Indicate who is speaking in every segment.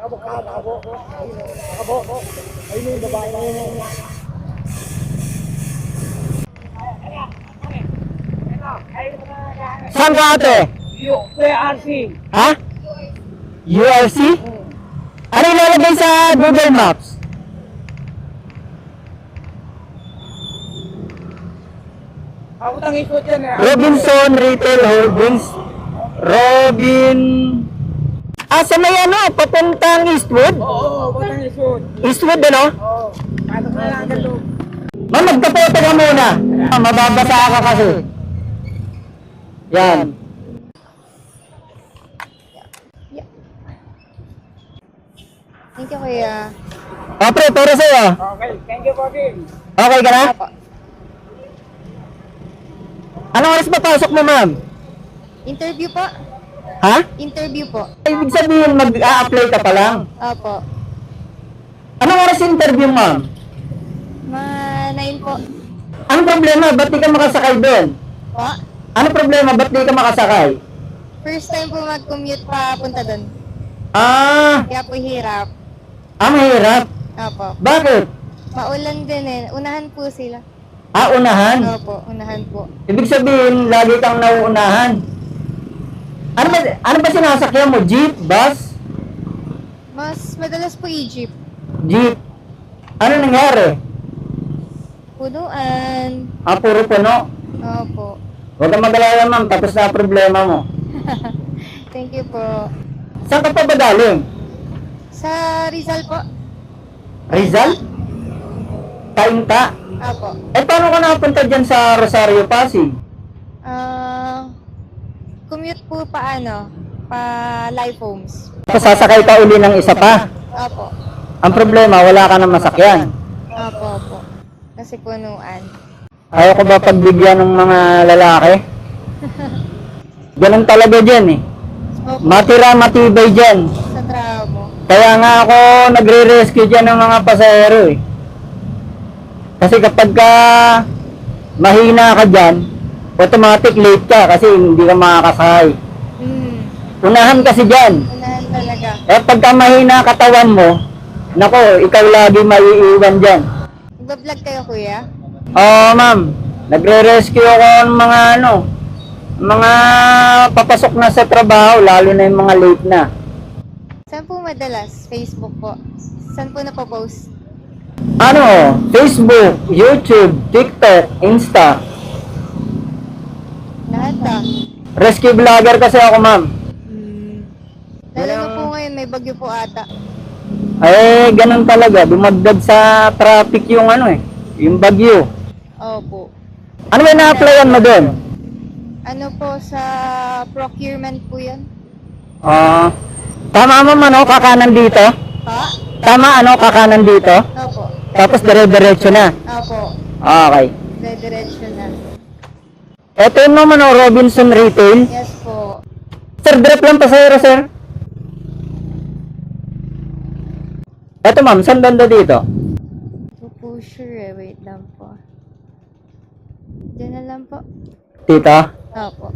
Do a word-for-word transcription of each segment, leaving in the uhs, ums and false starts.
Speaker 1: Ayun yung babae na yun.
Speaker 2: Saan ka ate?
Speaker 1: U R C.
Speaker 2: Ha? U R C? Ano ilalagay sa Google Maps?
Speaker 1: Ako tang ikot yan eh.
Speaker 2: Robinson Retail Holdings. Robin... Ah, sa may ano? Papuntang Eastwood?
Speaker 1: Oo, ako tang ikot.
Speaker 2: Eastwood ano?
Speaker 1: Oo. Paano ka lang ang loob?
Speaker 2: Ma'am, magkapoto ka muna. Ah, mababasa ka kasi. Yan.
Speaker 3: Thank you, kuya.
Speaker 2: Ah, pre, pero sa'yo.
Speaker 1: Okay, thank you, Bobby.
Speaker 2: Okay ka na?
Speaker 3: Apo.
Speaker 2: Anong oras papasok mo, ma'am?
Speaker 3: Interview po?
Speaker 2: Ha?
Speaker 3: Interview po.
Speaker 2: Ibig sabihin, mag-a-apply ka pa lang.
Speaker 3: Opo.
Speaker 2: Anong oras interview, ma'am?
Speaker 3: Ma nine po.
Speaker 2: Anong problema? Ba't di ka makasakay doon?
Speaker 3: Po?
Speaker 2: Anong problema? Ba't di ka makasakay?
Speaker 3: First time po mag-commute pa punta doon.
Speaker 2: Ah,
Speaker 3: Kaya po hirap.
Speaker 2: ah, mahirap.
Speaker 3: Opo.
Speaker 2: Bakit?
Speaker 3: Maulan din eh. Unahan po sila.
Speaker 2: Ah, unahan.
Speaker 3: Opo, unahan po.
Speaker 2: Ibig sabihin, lagi kang nauunahan. Ano ba, ano ba sinasakyan mo? Jeep? Bus?
Speaker 3: Mas madalas po i-jeep.
Speaker 2: Jeep? Ano nangyari?
Speaker 3: Punuan.
Speaker 2: Ah, puro puno.
Speaker 3: Opo.
Speaker 2: Huwag kang mag-alala, ma'am. Tapos na ang problema mo.
Speaker 3: Thank you po.
Speaker 2: Saan ka pa ba galing?
Speaker 3: Sa Rizal po?
Speaker 2: Rizal? Kainta?
Speaker 3: Opo.
Speaker 2: Eh, paano ka nakapunta dyan sa Rosario, Pasig?
Speaker 3: Ah... commute po pa ano? Pa live homes.
Speaker 2: Tapos sasakay ka uli ng isa pa.
Speaker 3: Opo.
Speaker 2: Ang problema, wala ka ng masakyan.
Speaker 3: Opo, opo. Kasi punuan.
Speaker 2: Ayaw ko ba pagbigyan ng mga lalaki? Ganun talaga dyan eh.
Speaker 3: Opo.
Speaker 2: Matira, matibay dyan.
Speaker 3: Sa trabaho mo.
Speaker 2: Kaya nga ako nagre-rescue dyan ng mga pasahero eh. Kasi kapag ka mahina ka dyan, automatic late ka kasi hindi ka makakasakay.
Speaker 3: Hmm.
Speaker 2: Unahan kasi dyan.
Speaker 3: Unahan talaga.
Speaker 2: Eh pagka mahina katawan mo, nako, ikaw lagi maiiwan dyan.
Speaker 3: Nagbablog kayo, kuya?
Speaker 2: Oo, ma'am. Nagre-rescue ako ng mga ano, mga papasok na sa trabaho, lalo na yung mga late na.
Speaker 3: Saan po madalas? Facebook po. Saan po napopost?
Speaker 2: Ano, Facebook, YouTube, TikTok, Insta.
Speaker 3: Lahat ah.
Speaker 2: Rescue vlogger kasi ako, ma'am.
Speaker 3: Hmm. Lalo na po ngayon, may bagyo po ata.
Speaker 2: Eh, ganun talaga. Dumagdag sa traffic yung ano eh, yung bagyo.
Speaker 3: Opo.
Speaker 2: Ano ba na-applyan mo doon?
Speaker 3: Ano po, sa procurement po yan?
Speaker 2: Ah, tama mo man, ano, kakanan dito?
Speaker 3: Ha?
Speaker 2: Tama, ano, kakanan dito?
Speaker 3: Opo.
Speaker 2: Tapos dire-diretso na.
Speaker 3: Opo.
Speaker 2: Okay.
Speaker 3: Dediretso na.
Speaker 2: Ito yung naman, oh, Robinson Retail.
Speaker 3: Yes po.
Speaker 2: Sir, drop lang pasahero, sir. Ito, ma'am, saan banda dito?
Speaker 3: So po sure eh. Wait lang po. Diyan na lang po.
Speaker 2: Dito?
Speaker 3: Opo.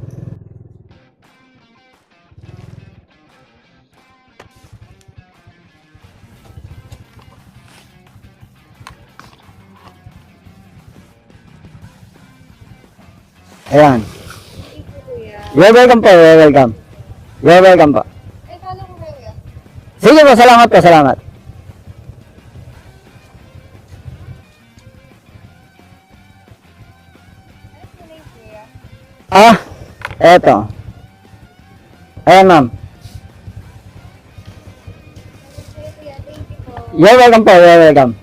Speaker 2: Ayan.
Speaker 3: Thank you, kuya.
Speaker 2: You're welcome po, you're welcome. You're welcome po.
Speaker 3: Eh, paano ko kuya?
Speaker 2: Sige po, salamat po, salamat.
Speaker 3: Ano po name, kuya?
Speaker 2: Ah, eto. Ayan, ma'am.
Speaker 3: Kuya, thank you po.
Speaker 2: You're welcome po, you're welcome.